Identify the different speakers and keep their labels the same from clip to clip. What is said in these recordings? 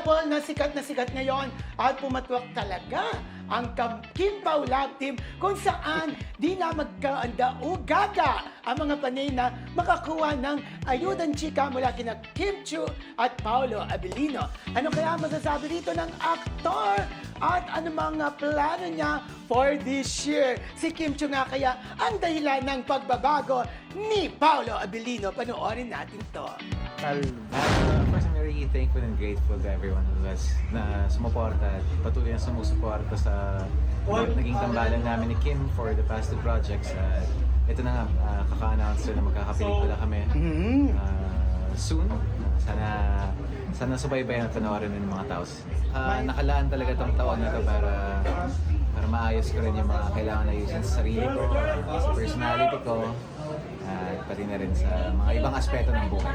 Speaker 1: Relatable na sikat ngayon at pumatwak talaga ang Kim Pao Love Team kung saan di na magkaanda-ugaga ang mga panay na makakuha ng ayudang chika mula kina Kim Chiu at Paolo Abilino. Ano kaya masasabi dito ng aktor at ano mga plano niya for this year? Si Kim Chiu nga kaya ang dahilan ng pagbabago ni Paolo Abilino. Panoorin natin to.
Speaker 2: First, I'm really thankful and grateful to everyone who has na sumuporta at patuloy na sumusuporta sa naging tambalan namin ni Kim for the past two projects. Ito na nga, kaka-announce na magkakapelikula kami soon. Sana subaybayan at panoorin ng mga tao. Nakalaan talaga tong taon na to para maayos ko rin yung mga kailangan na ayusin sa sarili ko, sa personality ko, at pati na rin sa mga ibang aspeto ng buhay.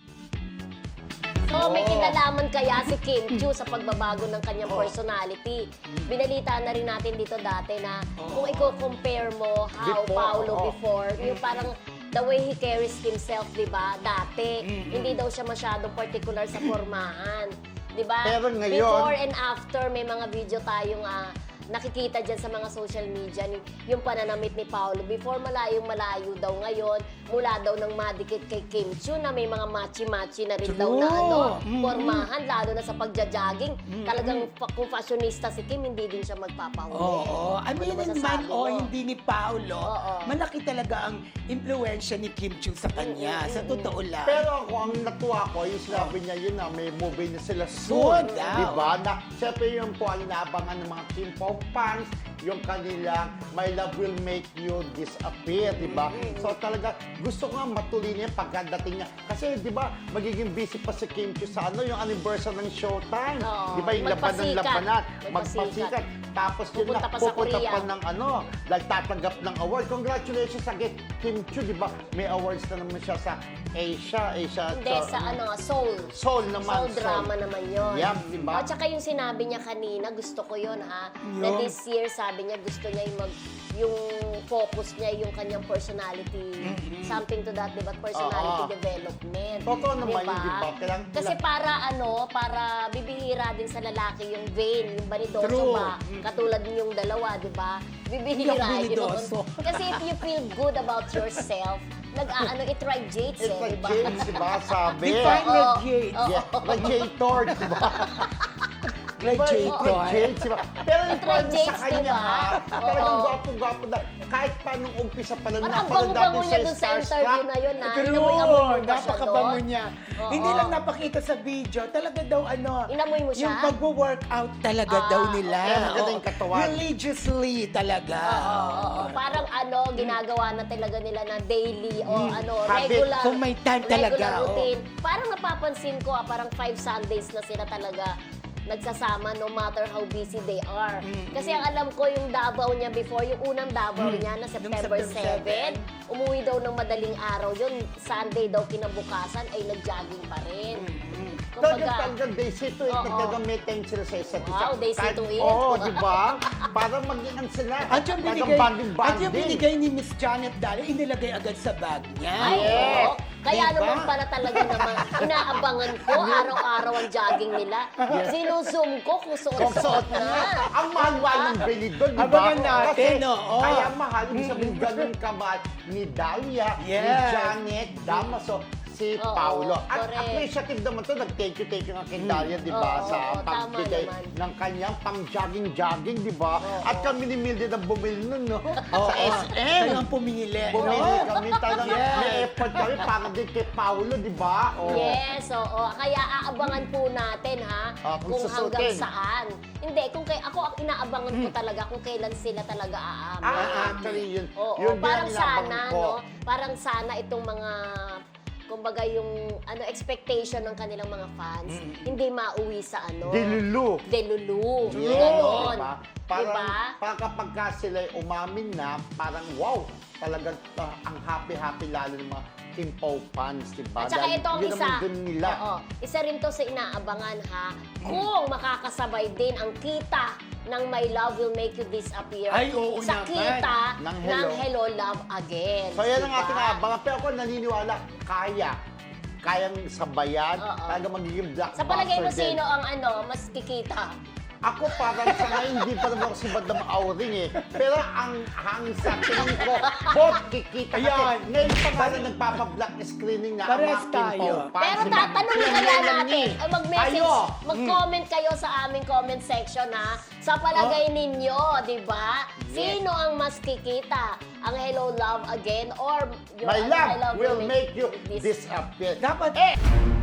Speaker 3: So, may kinalaman kaya si Kim Chiu sa pagbabago ng kanyang personality. Binalita na rin natin dito dati na kung i-compare mo how Paolo before, yung parang the way he carries himself, di ba? Dati, hindi daw siya masyadong particular sa formahan. Di ba?
Speaker 4: Pero ngayon,
Speaker 3: before and after, may mga video tayong nakikita dyan sa mga social media, yung pananamit ni Paolo. Before, malayo daw ngayon, mula daw ng madikit kay Kim Chiu na may mga machi-machi na rin daw na formahan, lalo na sa pagja-jogging. Talagang kung fashionista si Kim, hindi din siya magpapahuli.
Speaker 1: Oo. Aminin man o hindi ni Paolo,
Speaker 3: Oo.
Speaker 1: malaki talaga ang impluensya ni Kim Chiu sa kanya. Sa totoo lang.
Speaker 4: Pero ako, ang natuwa ko, yung sinabi niya yun na may movie na sila
Speaker 1: Soon
Speaker 4: soon.
Speaker 1: daw.
Speaker 4: Diba? Na, siyempre yun po ang inaabangan ng mga Kim Pao fans, yung kanilang My Love Will Make You Disappear, diba? So talaga, gusto ko nga matuloy niya pagdating niya. Kasi diba, magiging busy pa si Kim Chiu sa yung anniversary ng Showtime.
Speaker 3: Oo.
Speaker 4: Diba, yung labanan-labanan.
Speaker 3: Magpasikat.
Speaker 4: Tapos yun
Speaker 3: Pupunta
Speaker 4: na,
Speaker 3: pa sa
Speaker 4: pupunta
Speaker 3: Korea.
Speaker 4: pa ng nagtatanggap ng award. Congratulations again, Kim Chiu, diba? May awards na naman siya sa Asia.
Speaker 3: Hindi, sa Soul.
Speaker 4: Soul naman.
Speaker 3: Soul drama naman yun.
Speaker 4: Yeah, diba?
Speaker 3: At saka yung sinabi niya kanina, gusto ko yun ha. Na
Speaker 1: Yun.
Speaker 3: this year, sabi niya, gusto niya yung focus niya, yung kanyang personality. Something to that, diba? Personality development.
Speaker 4: Totoo naman yun, diba?
Speaker 3: Kasi para bibihira din sa lalaki yung vein, yung banidoso
Speaker 1: True.
Speaker 3: ba? Katulad yung dalawa, diba? Bibihira
Speaker 1: Yung
Speaker 3: yun.
Speaker 1: banidoso.
Speaker 3: Kasi if you feel good about yourself, it radiates
Speaker 4: It's like
Speaker 3: diba?
Speaker 4: James, diba? Sabi.
Speaker 1: Define radiate.
Speaker 4: Yeah, radiator, diba?
Speaker 1: Radiator.
Speaker 4: Radiate, diba? Pero yung point sa
Speaker 3: radiates,
Speaker 4: kanya,
Speaker 3: diba?
Speaker 4: ha? Talagang
Speaker 3: Oo.
Speaker 4: gwapo-gwapo na. Kahit pa nung umpisa pa lang,
Speaker 3: Ang
Speaker 4: napanood
Speaker 3: bango-bango
Speaker 4: natin
Speaker 3: niya dun sa interview na yun, ha? Inamoy-amoy mo
Speaker 1: True,
Speaker 3: ba siya
Speaker 1: napakabango
Speaker 3: doon?
Speaker 1: niya.
Speaker 3: Oo.
Speaker 1: Hindi lang napakita sa video, talaga daw
Speaker 3: Inamoy mo siya?
Speaker 1: yung pagwo-workout talaga daw nila.
Speaker 4: Kaya maganda yung
Speaker 1: Oo.
Speaker 4: katawan.
Speaker 1: Religiously talaga.
Speaker 3: Oo. Parang ginagawa na talaga nila na daily o
Speaker 4: Habit.
Speaker 3: regular.
Speaker 1: Kung may time talaga,
Speaker 3: Regular routine. Parang napapansin ko, parang 5 Sundays na sila talaga nagsasama no matter how busy they are. Kasi ang alam ko yung Davao niya before, yung unang Davao niya na September
Speaker 1: September
Speaker 3: 7, umuwi daw ng madaling araw yun. Sunday daw kinabukasan ay nag-jogging pa rin.
Speaker 4: Talagang they see to it,
Speaker 3: Oo.
Speaker 4: nagkagamit time sila sa isa't isa.
Speaker 3: Wow, they see
Speaker 4: Kahit-
Speaker 3: to it.
Speaker 4: Oo, diba? Para maging sila.
Speaker 1: At yung
Speaker 4: Talagang
Speaker 1: binigay,
Speaker 4: bonding-bonding.
Speaker 1: at yung binigay ni Miss Janet Daly, inilagay agad sa bag niya.
Speaker 3: Ay,
Speaker 4: Yes.
Speaker 3: oo. Kaya
Speaker 1: Diba?
Speaker 3: naman pala talaga naman, inaabangan ko araw-araw ang jogging nila. Sinuzoom ko kung suot-suot na.
Speaker 4: Ang mahal ng bili doon, di ba?
Speaker 1: Abangan natin,
Speaker 4: Kasi
Speaker 1: oo.
Speaker 4: kaya mahal, ibig sabihin ganun kamahal ni Dahlia, ni
Speaker 1: Yes.
Speaker 4: Janet, Damaso, si
Speaker 3: Oo,
Speaker 4: Paolo. At
Speaker 3: correct.
Speaker 4: appreciative naman to, nag-thank you nga kay Dahlia, di ba?
Speaker 3: Oo,
Speaker 4: Sa
Speaker 3: oo, tama
Speaker 4: pagbigay
Speaker 3: naman.
Speaker 4: ng kanyang pang-jogging, di ba? At kami ni Mildred ang bumili nun, no?
Speaker 1: Oo.
Speaker 4: Sa SM.
Speaker 1: Kayo ang pumili.
Speaker 4: Bumili
Speaker 1: no?
Speaker 4: kami, talagang
Speaker 1: Yes.
Speaker 4: may effort kami para din kay Paolo, di ba? Oo.
Speaker 3: Yes, oo. Kaya aabangan po natin ha,
Speaker 4: Kung
Speaker 3: kung hanggang
Speaker 4: susutin.
Speaker 3: saan. Hindi, ako ang inaabangan ko talaga kung kailan sila talaga aamin.
Speaker 4: Actually, yun.
Speaker 3: Oo,
Speaker 4: yun din
Speaker 3: parang
Speaker 4: ang inabangan
Speaker 3: sana,
Speaker 4: ko.
Speaker 3: no? Parang sana itong mga kumbaga yung expectation ng kanilang mga fans hindi mauwi sa
Speaker 4: Dilulu.
Speaker 3: delulu.
Speaker 4: Yes,
Speaker 3: Ganon.
Speaker 4: diba? Parang kapag ka sila'y umamin na, parang wow, talagang ang happy-happy lalo ng mga Kim Pao fans, diba?
Speaker 3: At saka ito ang
Speaker 4: yun
Speaker 3: isa.
Speaker 4: naman dun nila.
Speaker 3: Oo. Isa rin to sa inaabangan ha. Kung makakasabay din ang kita ng My Love Will Make You Disappear
Speaker 1: Ay, oo
Speaker 3: sa
Speaker 1: naman.
Speaker 3: kita
Speaker 4: Ng
Speaker 3: ng
Speaker 4: Hello.
Speaker 3: Hello Love Again.
Speaker 4: So yan ang
Speaker 3: Diba?
Speaker 4: ating aabangan. Pero ako naniniwala, kaya. kayang sabayan,
Speaker 3: Oo.
Speaker 4: talaga magiging blockbuster
Speaker 3: Sa palagay mo,
Speaker 4: din.
Speaker 3: sino ang mas kikita?
Speaker 4: Ako parang sa ngayon, hindi pa naman ako si Madam Auring eh. Pero ang sa tingin ko, both kikita. Kasi
Speaker 1: Ayan.
Speaker 4: ngayon pa nga rin nagpapablock screening na ang
Speaker 1: Parehas
Speaker 4: mga
Speaker 1: tayo.
Speaker 4: Kim Pao fans,
Speaker 3: Pero
Speaker 4: di ba?
Speaker 3: tatanungin
Speaker 4: Yan
Speaker 3: kaya
Speaker 4: lang
Speaker 3: natin,
Speaker 4: eh.
Speaker 3: mag-message,
Speaker 4: Kayo.
Speaker 3: mag-comment kayo sa aming comment section ha. Sa palagay ninyo, di ba? Sino ang mas kikita? Ang Hello Love Again or yung
Speaker 4: My
Speaker 3: ano,
Speaker 4: love will make you
Speaker 3: this
Speaker 4: disappear.
Speaker 1: Dapat,
Speaker 4: Eh,